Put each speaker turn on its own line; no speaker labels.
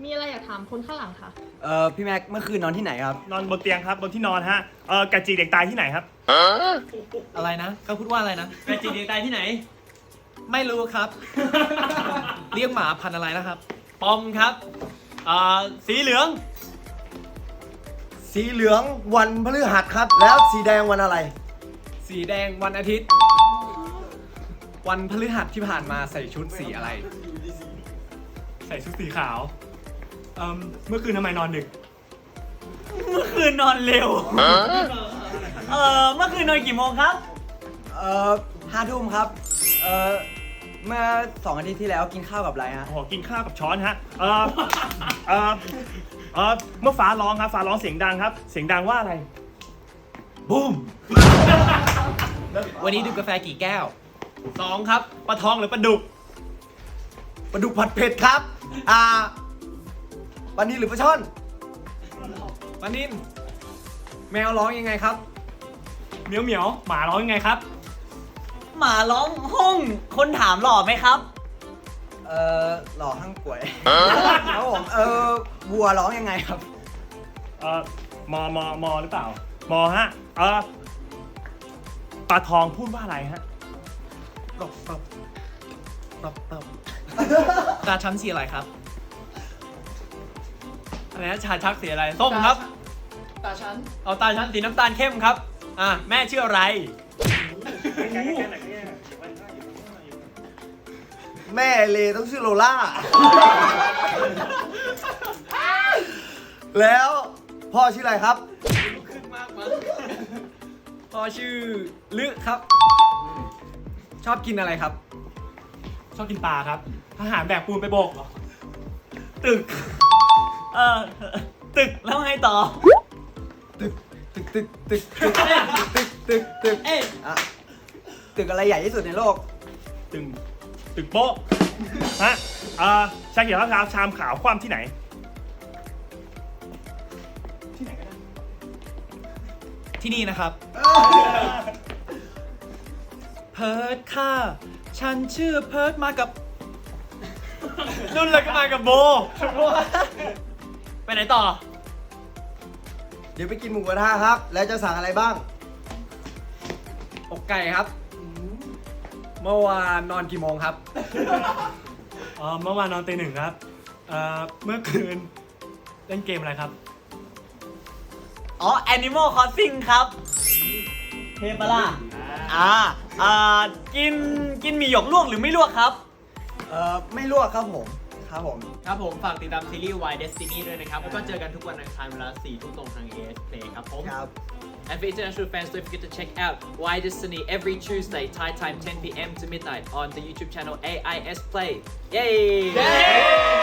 มีอะไรอยากถามคนข้างหลังคะ
พี่แม็กเมื่อคืนนอนที่ไหนครับ
นอนบนเตียงครับบนที่นอนฮะกระจีเด็กตายที่ไหนครับ
อะไรนะเขาพูดว่าอะไรนะ
กระจิตเด็กตายที่ไหน
ไม่รู้ครับ เรียกหมาพันธุ์อะไรนะครับ
ปอมครับสีเหลือง
สีเหลืองวันพฤหัสครับ แล้วสีแดงวันอะไร
สีแดงวันอาทิตย์ วันพฤหัสที่ผ่านมาใส่ชุดสีอะไร
ใส่ชุดสีขาวเมื่อคืนทำไมนอนดึก
เมื่อคืนนอนเร็ว เมื่อคืนนอนกี่โมงครับ
5 ทุ่มครับ เมื่อ2 อาทิตย์ที่แล้วกินข้าวกับอะไรฮะ
โอ้โหกินข้าวกับช้อนฮะเมื่อฟ้าร้องครับฟ้าร้องเสียงดังครับ เสียงดังว่าอะไรบูม
วันนี้ดื่มกาแฟกี่แก้ว 2 ครับปลาทองหรือปลาดุก
ปลาดุกผัดเผ็ดครับ ปลานิลหรือปลาช่อน
ปลานินแมวร้องยังไงครับ
เหมียวเหมียวหมาร้องยังไงครับ
หมาร้องห้องคนถามหล่อไหมครับ
หล่อห้างป่วยครับผมวัวร้องยังไงครับ
มหรือเปล่า มฮะปลาทองพูดว่าอะไรฮะ
ตบตาชั้นสีอะไรครับ
อะไรนะชาชักสีอะไรส้มครับ
ตาฉัน
เอาตาชั้นสีน้ำตาลเข้มครับแม่ชื่ออะไร
แม่เลต้องชื่อโลล่า แล้วพ่อชื่ออะไรครับ
พ่อชื่อลึครับ ชอบกินอะไรครับ
ชอบกินปลาครับทหารแบกปูนไปโบกเหรอ
ตึกตึกแล้วไงต่อ
ตึกอ่ะตึกอะไรใหญ่ที่สุดในโลก
ตึกโป๊ะฮะชาเขียวข้าวขาวชามขาวคว่ำที่ไหน
ที่นี่นะครับ เพิร์ดค่ะ ฉันชื่อเพิร์ดมากับ
นุ่นเลยก็มากับโบ ไปไหนต่อ
เดี๋ยวไปกินหมูกระทะครับ แล้วจะสั่งอะไรบ้าง
อกไก่ครับ เมื่อวานนอนกี่โมงครับ
เมื่อวานนอนตี 1ครับเมื่อคืนเล่นเกมอะไรครับ
อ๋อ Animal Crossing ครับเทปะล่ะกินหมี่หยกลวกหรือไม่ลวกครับ
ไม่ลวกครับผม ครับผม
ครับผมฝากติดตามซีรีส์ Why Destiny ด้วยนะครับ แล้วก็เจอกันทุกวันอังคารเวลา 4 ทุ่มตรงทาง AS Play ครับผม
ครับ
And for international fans, don't forget to check out Why Destiny every Tuesday, Thai time 10 p.m. to midnight on the YouTube channel AIS Play. Yay!